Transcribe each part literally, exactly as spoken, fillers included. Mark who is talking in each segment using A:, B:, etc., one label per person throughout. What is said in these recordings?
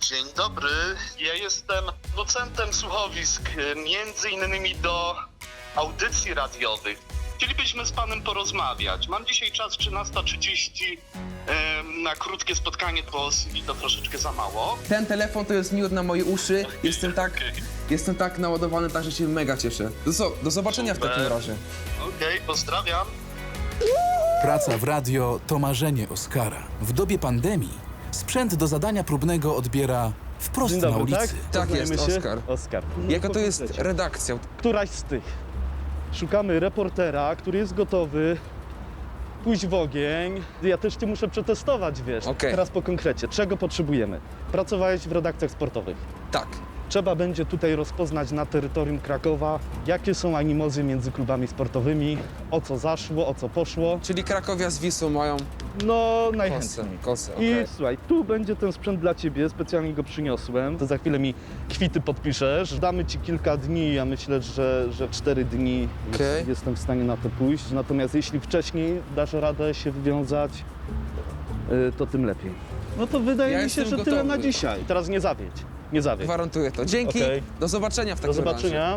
A: Dzień dobry, ja jestem docentem słuchowisk, między innymi do audycji radiowych. Chcielibyśmy z panem porozmawiać. Mam dzisiaj czas trzynasta trzydzieści em, na krótkie spotkanie, bo mi to troszeczkę za mało.
B: Ten telefon to jest miód na moje uszy. Jestem tak, jestem tak naładowany, tak, że się mega cieszę. Do, zo- do zobaczenia
A: Super.
B: w takim razie.
A: Okej, pozdrawiam.
C: Praca w radio to marzenie Oskara. W dobie pandemii sprzęt do zadania próbnego odbiera wprost
D: Dzień
C: na
D: dobry,
C: ulicy.
D: tak?
B: Tak jest,
D: Poznajemy się?
B: Oskar.
D: Oskar.
B: Jaka to jest
D: Powiedzcie.
B: redakcja?
D: Któraś z tych. Szukamy reportera, który jest gotowy pójść w ogień. Ja też cię muszę przetestować, wiesz.
B: Okej.
D: Teraz po konkrecie. Czego potrzebujemy? Pracowałeś w redakcjach sportowych.
B: Tak.
D: Trzeba będzie tutaj rozpoznać na terytorium Krakowa, jakie są animozy między klubami sportowymi, o co zaszło, o co poszło.
B: Czyli Krakowia z Wisłą mają
D: No,
B: kosę.
D: najchętniej.
B: Kosę,
D: I
B: okej.
D: słuchaj, tu będzie ten sprzęt dla ciebie, specjalnie go przyniosłem. To za chwilę mi kwity podpiszesz. Damy ci kilka dni, ja myślę, że, że cztery dni jest,
B: Okej.
D: jestem w stanie na to pójść. Natomiast jeśli wcześniej dasz radę się wywiązać, y, to tym lepiej. No to wydaje
B: Ja
D: mi się,
B: jestem
D: że tyle
B: gotowy.
D: na dzisiaj. Teraz nie zawiedź, nie zawiedź.
B: Gwarantuję to. Dzięki.
D: Okej.
B: Do zobaczenia w
D: Do
B: takim razie.
D: zobaczenia.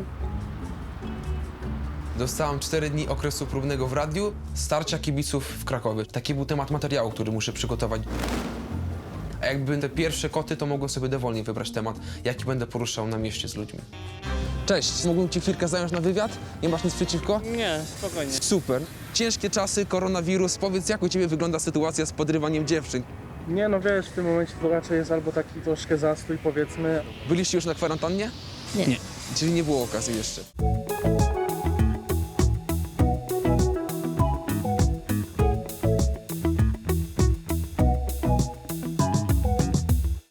B: Dostałam cztery dni okresu próbnego w radiu, starcia kibiców w Krakowie. Taki był temat materiału, który muszę przygotować. A jakby te pierwsze koty, to mogłem sobie dowolnie wybrać temat, jaki będę poruszał na mieście z ludźmi. Cześć, mógłbym ci chwilkę zająć na wywiad? Nie masz nic przeciwko?
E: Nie, spokojnie.
B: Super. Ciężkie czasy, koronawirus. Powiedz, jak u ciebie wygląda sytuacja z podrywaniem dziewczyn?
E: Nie, no wiesz, w tym momencie to raczej jest albo taki troszkę zastój, powiedzmy.
B: Byliście już na kwarantannie?
E: Nie.
B: Czyli nie było okazji jeszcze.